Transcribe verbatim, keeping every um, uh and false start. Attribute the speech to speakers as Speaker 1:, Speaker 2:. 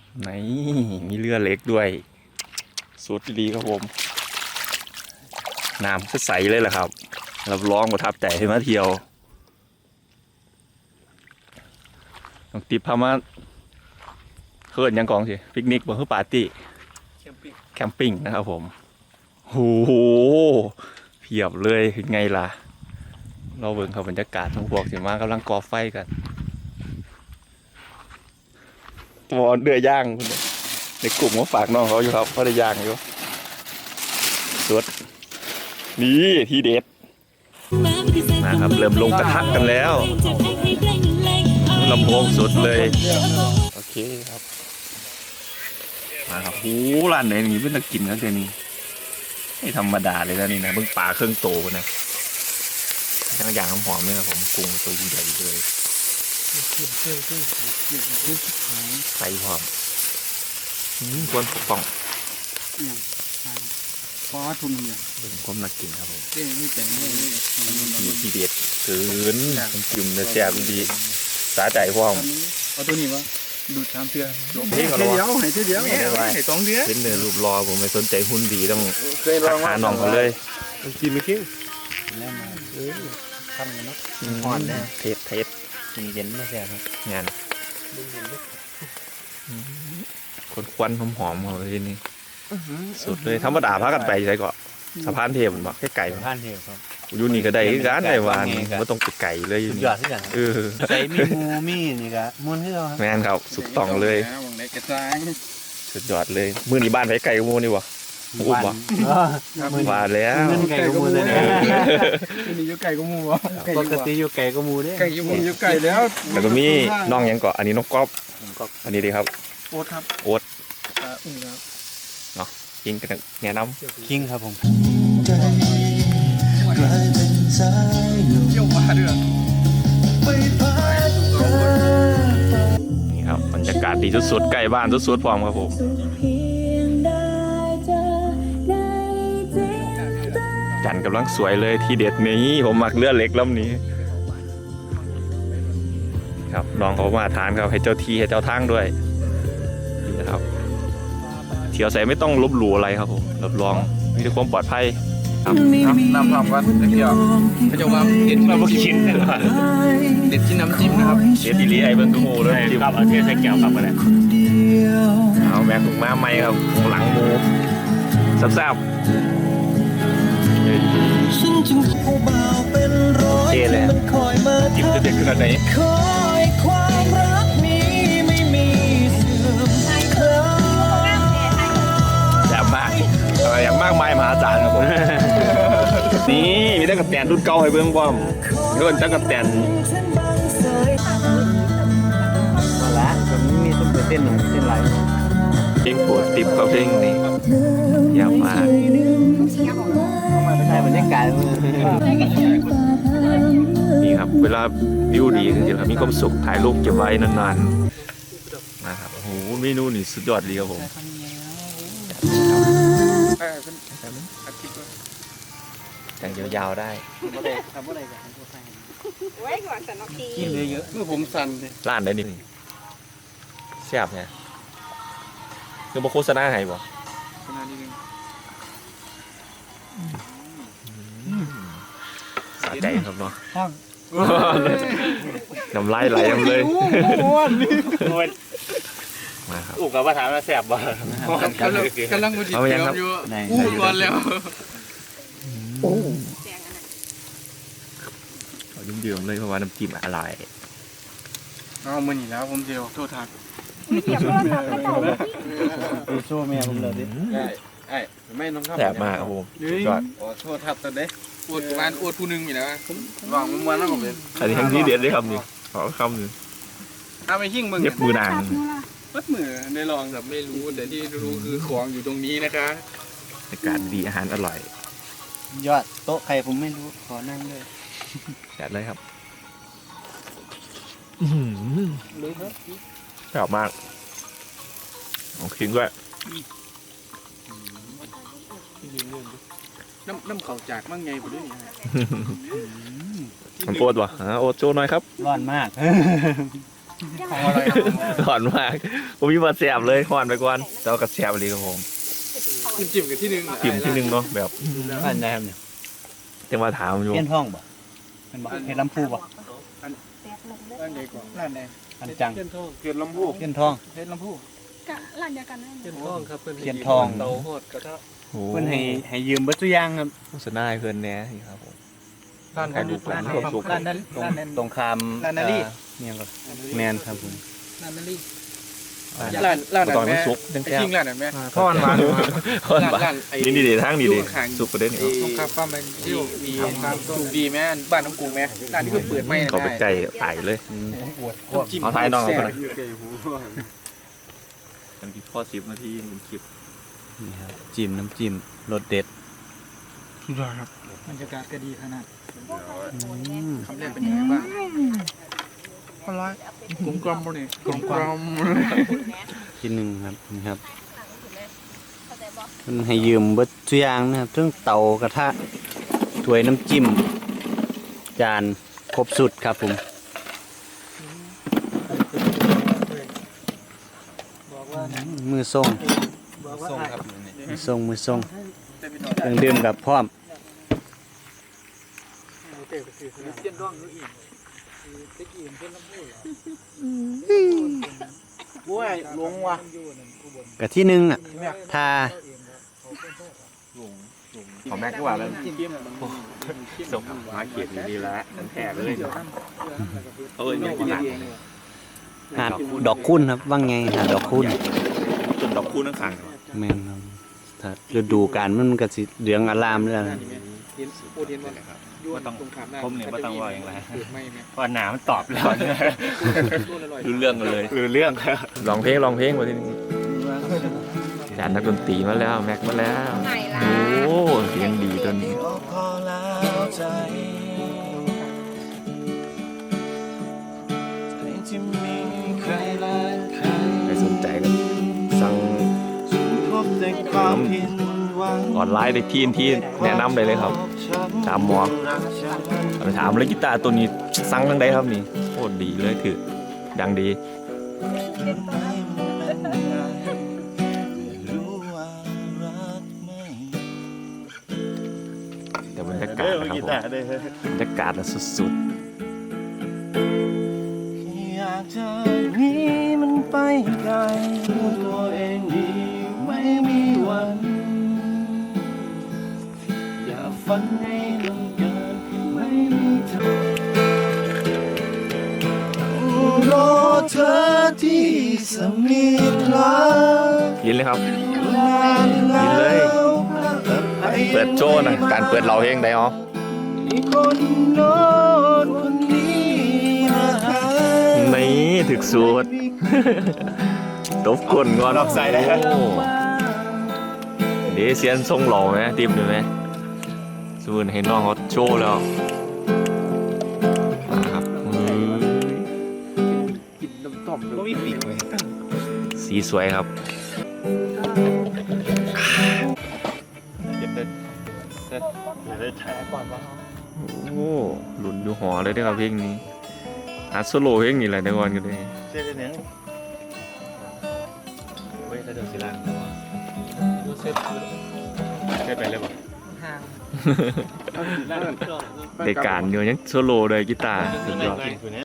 Speaker 1: ไหนมีเรือเล็กด้วยสุดดีครับผมน้ำใสเลยแหละครับรับรองประทับใจให้มาเที่ยวน้องติ๊บพามาเคิร์นยังกองสิปิกนิกบ่คือปาร์ตี้แคมปิ้งนะครับผมโอ้โหเพียบเลยเป็นไงล่ะเราเบิ่งเขาบรรยากาศทั้งพวกสิมากำลังก่อไฟกันตัวเดือย่างในกลุ่มก็ฝากน้องเขาอยู่ครับเขาได้ย่างอยู่สุดนี่ที่เด็ดนะครับเริ่มลงกระทะกันแล้วลำโพงสุดเลยโอเคครับมาครับโอ้ร้านไหนนี่เป็นตะกินครับเดี๋ยวนี้ไม่ธรรมดาเลยนะนี่นะเพิ่งปลาเครื่องโตนะทั้งอย่างหอมๆเลยครับผมกุ้งตัวใหญ่เลยใส่หอมควรปกป้อง
Speaker 2: เพราะว่าทุนมันอย่าง
Speaker 1: เป็นความน่ากินครับผม
Speaker 2: นี่แต่นี่
Speaker 1: มีทีเด็ดเกินจิ้มเนื้อแซ่บดีสาใจพร้อม
Speaker 2: เอาตัวนี้วะดูดสามเทือ
Speaker 1: เฮ้ยเดียว
Speaker 2: ให้เดียว
Speaker 1: ให้สองเดือนเป็นเนื้อรูปรอผมไม่สนใจหุ่นดีต้องหาน้องเขาเลย
Speaker 2: กินไม่คิ้วแน่นอนเออทำกันเนาะอ่อนเลย
Speaker 1: เทสเทส
Speaker 2: กินเย็นไม่แซ่บครับ
Speaker 1: งานคนควันหอมๆเขาเลยนี่สุดเลยธรรมดาพากันไปใช่ก่อนสะพานเทพมันบอกแค่ไก่
Speaker 2: สะพานเทพครับ
Speaker 1: อยู่นี่ก็ได้ร้านไหนวานไม่ต้องไปไก่เลยอยู่นี่เออ
Speaker 2: ใส่มีมูมีนี่ก็ม้วนให้เรา
Speaker 1: แม่นครับสุดต้องเลยสุดยอดเลยมือนี่บ้านไปไก่กูนี่วะอุ้มวะมาแล้ว
Speaker 2: ไก่กูมูเลยนี่อยู่ไก่กูมูวะปกติอยู่ไก่กูมูเนี่ยไก่ยูมูอยู่ไก่แล้ว
Speaker 1: แล้วก็มีน้องยังเกาะอันนี้น้องก๊อฟอันนี้ดีครับ
Speaker 2: โอ๊ตครับ
Speaker 1: โอ๊ต
Speaker 2: อุ้งครับ
Speaker 1: เนาะคิงกันแง่น้ำ
Speaker 2: คิงครับผม
Speaker 1: เยี่ยมมาเด้อนี่ครับบรรยากาศดีสุดๆใกล้บ้านสุดๆพร้อมครับผมจันกำลังสวยเลยที่เด็ดนี้ผมมักเลือดเล็กลำนี้ครับน้องเขามาทานครับให้เจ้าที่ให้เจ้าทางด้วยนี่นะครับเที่ยวใส่ไม่ต้องลบหลู่อะไรครับผมรับรองมีแต่ความปลอดภัยครับ
Speaker 2: น้ำพร้อมกันเดียวพระเจ้าว่าเด็ดเราไม่กินเด็ดที่น้ำจิ้มนะครับ
Speaker 1: เด็ดดีลีไอเบิ้งโม่เลย
Speaker 2: ครับเอาเทียนใส่แก้วกลับมาเลย
Speaker 1: เอาแบกถุงมาใหม่ครับหลังหมูแซ่บๆเท่เลยจิ้มจะเด็ดขนาดไหนแซ่บมากอย่างมากมายมหาศาลครับผมนี่มีตะกั่วแตนรุ่นเก่าให้เบิ้งพร้อมรุ่นตะกั่วแตน
Speaker 2: มาละผมมีต้นเต้นหนึ่งเต้นไหล
Speaker 1: เพลงโปรดติบกับเพลงนี้ยาวมาก
Speaker 2: ใช่บรรยากาศ
Speaker 1: นี่ครับเวลาวิวดีจริงๆครับมีความสุขถ่ายรูปเก็บไว้นานๆนะครับโอ้โหเมนูนี่สุดยอดดีครับผมแต่งยาวๆได้
Speaker 2: กินเยอะๆเมื่อผมสั่นเลย
Speaker 1: ร้านได้นี่แซ่บไงคือมาโฆษณาให้บ่สะใจครับเนาะน้ำลายไหลยังเลยมาครับ
Speaker 2: อุกกับภาษาแสบบ่กำลังกำลังกูจิตเตรียมอยู่อู้ก่อนแล้ว
Speaker 1: เอาดื่มๆเลยเพราะว่าน้ำจิ้มอร่อย
Speaker 2: เอามือหนีแล้วผมเดียวโทษทักโชว์แม่ผมเลยดิไอ้ไม่น้องครับ
Speaker 1: แสบมากครับผม
Speaker 2: จอดโทษทับตอนเด็กอวดประมาณอวดผู้หนึ่งอยู่นะวางมันวันแล้วผมเป็น
Speaker 1: อันนี้ทั้งที่เด็ดได้คำนี้ขอคำหนึ่ง
Speaker 2: เอาไปหิ้งมึง
Speaker 1: เย็บมือนาง
Speaker 2: วัดมือได้ลองแบบไม่รู้แต่ที่รู้คือของอยู่ตรงนี้นะคะ
Speaker 1: อากาศดีอาหารอร่อย
Speaker 2: ยอดโต๊ะใครผมไม่รู้ขอนั่งเลย
Speaker 1: จัดเลยครับชอบมากลองคิงด้วย
Speaker 2: น้ำน้ำเข่าจากมั่งไงผมด้วยนี่
Speaker 1: มันโอ๊ตวะโอ๊ตโชว์หน่อยครับ
Speaker 2: ร้อนมากของอะไร
Speaker 1: หอนมากผมมีมาแสบเลยหอนไปก่อนแต่ว่ากระแสบเลยครับผม
Speaker 2: จิ้มจิ้มกันที่หนึ่ง
Speaker 1: จิ้มที่หนึงเนาะแบบ
Speaker 3: อันไหนครับเนี่ย
Speaker 1: จะมาถามอยู่
Speaker 3: เพี้ยนท่องบ่เป็นบ่เห็ดลำพูบ่
Speaker 2: ร้านใดก่อนร้านใด
Speaker 3: อันจัง
Speaker 2: เทียนทองเทียนลำพู
Speaker 3: เพี้ยนทอง
Speaker 2: เทียนลำพู
Speaker 4: กะร้านเดียวกันนั่น
Speaker 2: เทียนทองครับเพื่อน
Speaker 3: เทียนทอง
Speaker 2: เตาหอดกระทะ
Speaker 1: โอ้
Speaker 3: เพิ่นให้ให้ยืมเบิดทุกอย่างครับ
Speaker 1: โฆษณาให้เพื่อนแหน่นี่ครับผม
Speaker 2: ร้าน
Speaker 1: ใครดูร้าน
Speaker 2: ค
Speaker 1: ค
Speaker 2: รั
Speaker 1: วามสุข
Speaker 2: ร้านนั้น
Speaker 3: ตรง
Speaker 2: ร้านนั้น
Speaker 3: ตรงคาม
Speaker 2: ร้านนาลี
Speaker 3: เอ่อเนี่ยก็แมนครับผม
Speaker 2: ร้านนั้นลี่ร้านร้าน
Speaker 1: บ่
Speaker 2: นั้น
Speaker 1: ต้อง
Speaker 2: แม่
Speaker 1: น้ำซุปจัง
Speaker 2: ไอ้
Speaker 1: แซ่บ
Speaker 2: จริงร้านนั้นแม่
Speaker 1: ทอดหวาน ทอดหวาน
Speaker 2: ร้านไอ้
Speaker 1: นี่ดีๆทางดี
Speaker 2: อยู่
Speaker 1: ดี
Speaker 2: ข้างๆ
Speaker 1: สุกประเด็น
Speaker 2: ไอ้ตรงข้ามปั๊มเป็นที่มีความสุขดีแม่บ้านน้องกรุงแม่ร้านที่เพิ่งเปิดใหม่นะ
Speaker 1: เขาไปใจไต่เลย
Speaker 3: อืม
Speaker 1: เอาท้ายน้องเอาไปหน่อย มันกี่ข้อสิบนาทีมันคลิป
Speaker 3: นี่ครับจิ้มน้ำจิ้มรสเด็ด
Speaker 2: สุดยอดครับบรรยากาศก็ดีขนาด
Speaker 3: อืม
Speaker 2: คำแรกเป็นยังไงบ้างอร่อยกลมกล่อมบ่เนี่ยกลมกล่อม
Speaker 3: ทีหนึ่งครับนี่ครับเพิ่นให้ยืมเบิดทุกอย่างนะครับทั้งเตากระทะถ้วยน้ำจิ้มจานครบสุดครับผม มือส่ง
Speaker 2: ส่งครับ
Speaker 3: มือส่งมือส่งเครื่องดื่มกับพร้อม
Speaker 2: เส้นร่องอีกตะกี้เส้นลำพูโอ้ยลงว่ะ
Speaker 3: กับที่หนึ่งอ่ะทา
Speaker 1: ของแม็กก็ว่าแล้ว
Speaker 2: จิ้มจิ้ม
Speaker 1: ส่งมาเขียนดีๆแล้วมันแท้เลยเอ้ยยังหนัก
Speaker 3: หาดดอกคุ้นครับว่างไงหาดดอกคุ้น
Speaker 1: ต้นดอกคูนั่งขัง
Speaker 3: แม่นครับถ้าฤดูกาลมันก็สิเหลืองอารามเลยนะ
Speaker 2: โอเดียนว่ายุ่งตรงขามหน้า
Speaker 1: ผมเนี่ยไม่ต้องว่าอย่างไร
Speaker 2: ไม่แม่
Speaker 1: พอหนามันตอบแล้วเนี่ย
Speaker 2: อร่อย
Speaker 1: รู้เรื่องกันเลยรู้เรื่องลองเพลงลองเพลงมาทีนี้จานนักดนตรีมาแล้วแม็กมาแล้ว
Speaker 4: ไหนล่ะ
Speaker 1: โอ้เสียงดีตัวนี้ใครสนใจก็สั่งออนไลน์ได้ที่ที่แนะนำเลยเลยครับถามหมอไปถามเลยกีตาร์ตัวนี้สั่งทั้งใดครับนี่โคตรดีเลยถือดังดีแต่บรรยากาศนะครับผมบรรยากาศน่ะสุด
Speaker 5: อยากจะหนีมันไปไกลรู้ตัวเองดีไม่มีวัน อย่าฝันให้มันเกินไม่มีเธอรอเธอที่สมิธลา
Speaker 1: ๆยินเลยครับ
Speaker 5: นานแล้ว
Speaker 1: เปิดโชว์หนะการเปิดเราเพลงได้อ๋อ
Speaker 5: มีคนโน้นคนนี้มาหา
Speaker 1: นี่ถึกสูตร ตบกลนก่อนใส่ได้เดี๋ยวเซียนทรงหล่อไหมทีมดูไหมสูนเห็นน้องเขาโชว์แล้วมาครับอืม
Speaker 2: กินน้ำต้มก็มีปีกเลย
Speaker 1: สีสวยครับโอ้หลุนอยู่หอเลยได้อครับเพลงนี้อัดโซโล่เพลงนี้แหละเดี๋ยวก่อนกันเลย
Speaker 5: เส้นหนึ่ง
Speaker 1: เว้ยถ้าเดินสิลัง
Speaker 2: ดูเซ็ต
Speaker 1: เคยไปเลยป่ะ
Speaker 2: ห่าง
Speaker 1: เด็กการอยู่ยังโซโล่เลยกีตาร์สุดยอด